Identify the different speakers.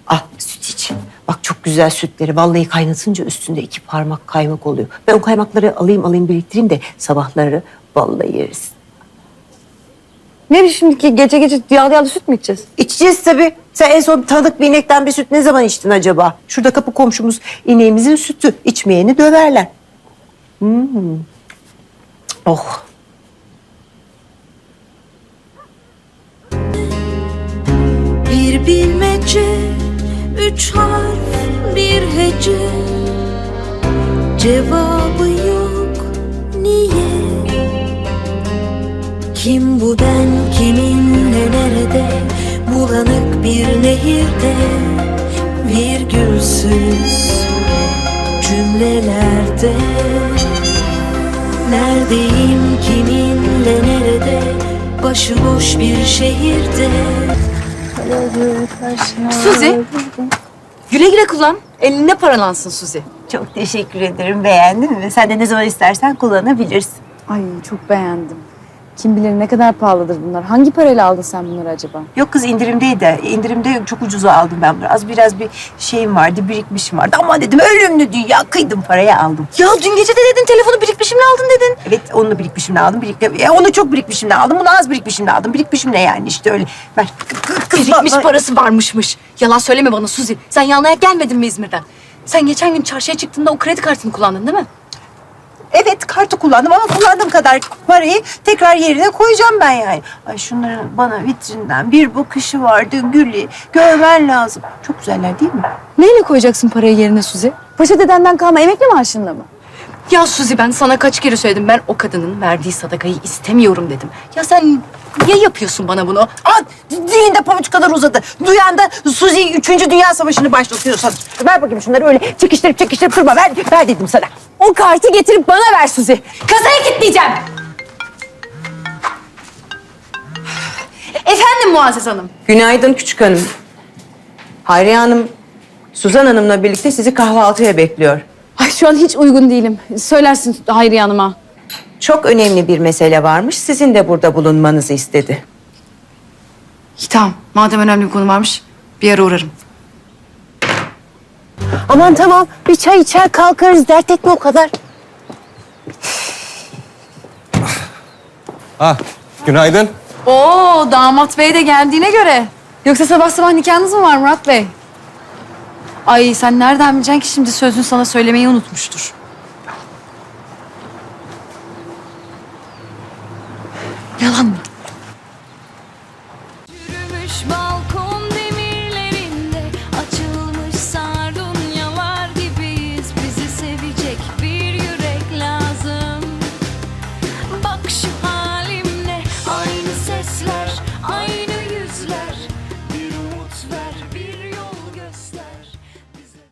Speaker 1: Ah süt iç. Bak çok güzel sütleri. Vallahi kaynatınca üstünde 2 parmak kaymak oluyor. Ben o kaymakları alayım biriktireyim de sabahları vallahi yeriz.
Speaker 2: Ne şimdi ki gece gece yağlı süt mü içeceğiz?
Speaker 1: İçeceğiz tabii. Sen en son tanıdık bir inekten bir süt ne zaman içtin acaba? Şurada kapı komşumuz ineğimizin sütü. İçmeyeni döverler. Oh.
Speaker 3: Bir bilmece, 3 harf, bir hece. Cevabı yok, niye? Kim bu ben, kiminle, nerede? Bulanık bir nehirde, virgülsüz cümlelerde. Neredeyim, kiminle, nerede? Başıboş bir şehirde.
Speaker 2: Suzi. Güle güle kullan. Eline paralansın Suzi.
Speaker 1: Çok teşekkür ederim. Beğendin mi? Sen de ne zaman istersen kullanabilirsin.
Speaker 2: Ay çok beğendim. Kim bilir ne kadar pahalıdır bunlar. Hangi parayla aldın sen bunları acaba?
Speaker 1: Yok kız indirimdeydi. İndirimde çok ucuza aldım ben bunu. Biraz bir şeyim vardı, birikmişim vardı. Ama dedim ölümlü dünya kıydım paraya aldım.
Speaker 2: Ya dün gece de dedin telefonu birikmişimle aldın dedin.
Speaker 1: Evet onu birikmişimle aldım. Onu çok birikmişimle aldım. Bunu az birikmişimle aldım. Birikmişimle yani işte öyle. Ver. Kız
Speaker 2: Birikmiş parası varmışmış. Yalan söyleme bana Suzi. Sen yanına gelmedin mi İzmir'den? Sen geçen gün çarşıya çıktığında o kredi kartını kullandın değil mi?
Speaker 1: Evet kartı kullandım ama kullandığım kadar parayı tekrar yerine koyacağım ben yani. Ay şunların bana vitrinden bir bakışı vardı Gül'ü. Görmen lazım. Çok güzeller değil mi?
Speaker 2: Neyle koyacaksın parayı yerine Suzi? Paşa dedenden kalma emekli maaşınla mı? Ya Suzi ben sana kaç kere söyledim. Ben o kadının verdiği sadakayı istemiyorum dedim. Ya sen niye yapıyorsun bana bunu?
Speaker 1: Aa, dilinde pabuç kadar uzadı. Duyan da Suzi 3. Dünya Savaşı'nı başlatıyorsan. Ver bakayım şunları öyle çekiştirip durma. Ver dedim sana.
Speaker 2: O kartı getirip bana ver Suzi. Kasaya kilitleyeceğim. Efendim Muazzez Hanım.
Speaker 4: Günaydın küçük hanım. Hayriye Hanım, Suzan Hanım'la birlikte sizi kahvaltıya bekliyor.
Speaker 2: Ay şu an hiç uygun değilim. Söylersin Hayriye Hanım'a.
Speaker 4: Çok önemli bir mesele varmış, sizin de burada bulunmanızı istedi.
Speaker 2: İyi tamam. Madem önemli bir konu varmış bir ara uğrarım.
Speaker 1: Aman tamam bir çay içer kalkarız. Dert etme o kadar.
Speaker 5: Günaydın.
Speaker 2: Oo damat bey de geldiğine göre. Yoksa sabah sabah nikahınız mı var Murat Bey? Ay sen nereden bileceksin ki şimdi sözün sana söylemeyi unutmuştur. Yalan mı?
Speaker 3: Yürümüş